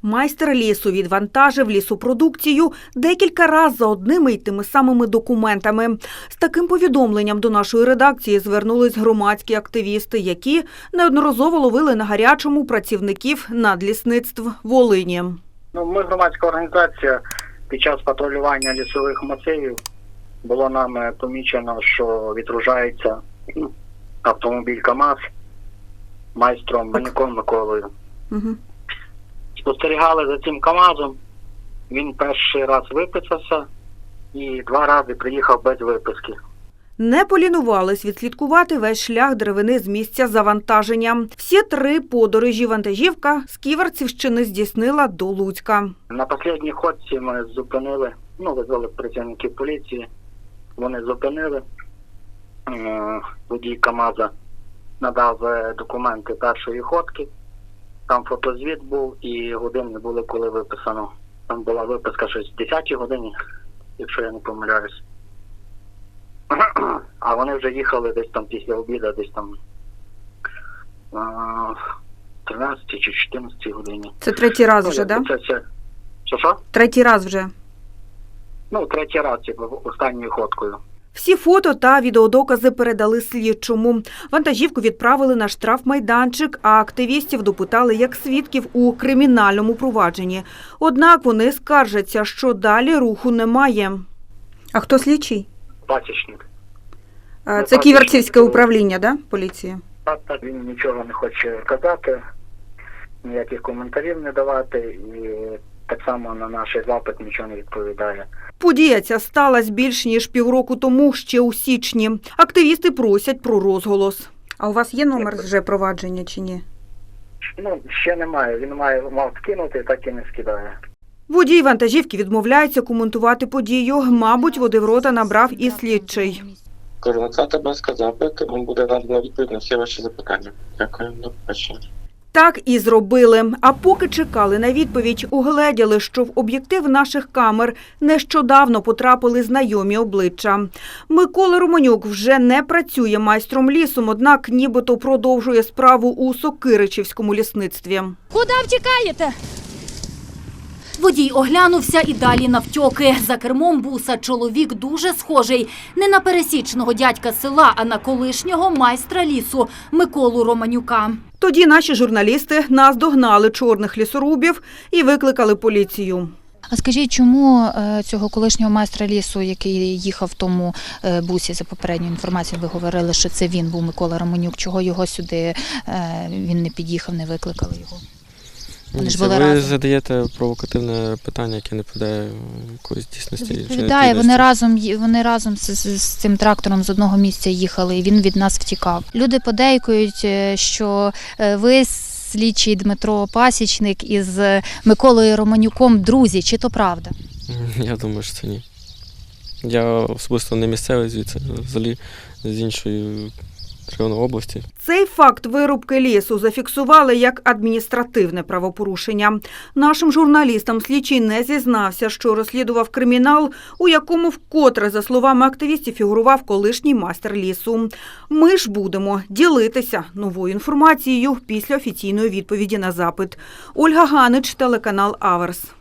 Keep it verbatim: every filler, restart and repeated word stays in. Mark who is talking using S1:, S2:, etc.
S1: Майстер лісу відвантажив лісопродукцію декілька разів за одними й тими самими документами. З таким повідомленням до нашої редакції звернулись громадські активісти, які неодноразово ловили на гарячому працівників надлісництв Волині.
S2: Ну, ми громадська організація. Під час патрулювання лісових масивів було нами помічено, що відгружається автомобіль КАМАЗ майстром Романюком Миколою.
S1: Угу.
S2: Спостерігали за цим КАМАЗом, він перший раз виписався і два рази приїхав без виписки.
S1: Не полінувались відслідкувати весь шлях деревини з місця завантаження. Всі три подорожі вантажівка з Ківерцівщини здійснила до Луцька.
S2: На останній ходці ми зупинили, ну, визвали працівників поліції, вони зупинили, водій КАМАЗа надав документи першої ходки, там фотозвіт був і години були, коли виписано. Там була виписка щось в десятій годині, якщо я не помиляюсь. А вони вже їхали десь там після обіду, десь там тринадцятій чи чотирнадцятій годині.
S1: Це третій раз вже, так?
S2: Да? Це, що, що?
S1: Третій раз вже.
S2: Ну, третій раз, типу, останньою ходкою.
S1: Всі фото та відеодокази передали слідчому. Вантажівку відправили на штрафмайданчик, а активістів допитали як свідків у кримінальному провадженні. Однак вони скаржаться, що далі руху немає. А хто слідчий?
S2: Пасічник.
S1: А, це Ківерцівське управління, да, поліції?
S2: Так, так, він нічого не хоче казати, ніяких коментарів не давати і так само на наш запит нічого не відповідає.
S1: Подія ця сталася більш ніж півроку тому, ще у січні. Активісти просять про розголос. А у вас є номер вже провадження чи ні?
S2: Ну, ще немає. Він має, мав скинути, так і не скидає.
S1: Водій вантажівки відмовляється коментувати подію. Мабуть, води в рота набрав і слідчий.
S3: Кажу, надсилайте, будь ласка, запит, вам буде надано відповідь на всі ваші запитання. Дякую, до побачення.
S1: Так і зробили. А поки чекали на відповідь, угледіли, що в об'єктив наших камер нещодавно потрапили знайомі обличчя. Микола Романюк вже не працює майстром лісом, однак нібито продовжує справу у Сокиричівському лісництві.
S4: Куди втікаєте? Водій оглянувся і далі навтьоки. За кермом буса чоловік дуже схожий не на пересічного дядька села, а на колишнього майстра лісу Миколу Романюка.
S1: Тоді наші журналісти наздогнали чорних лісорубів і викликали поліцію.
S5: А скажіть, чому цього колишнього майстра лісу, який їхав в тому бусі, за попередньою інформацією, ви говорили, що це він був Микола Романюк, чого його сюди, він не під'їхав, не викликали його? Вони ж були
S6: ви
S5: разом.
S6: задаєте провокативне питання, яке не відповідає якоїсь дійсності.
S5: Відповідає, вони разом, вони разом з, з, з цим трактором з одного місця їхали, і він від нас втікав. Люди подейкують, що ви, слідчий Дмитро Пасічник, із Миколою Романюком друзі. Чи то правда?
S6: Я думаю, що це ні. Я особисто не місцевий звідси, взагалі з іншої району області.
S1: Цей факт вирубки лісу зафіксували як адміністративне правопорушення. Нашим журналістам слідчий не зізнався, що розслідував кримінал, у якому вкотре, за словами активістів, фігурував колишній майстер лісу. Ми ж будемо ділитися новою інформацією після офіційної відповіді на запит. Ольга Ганич, телеканал Аверс.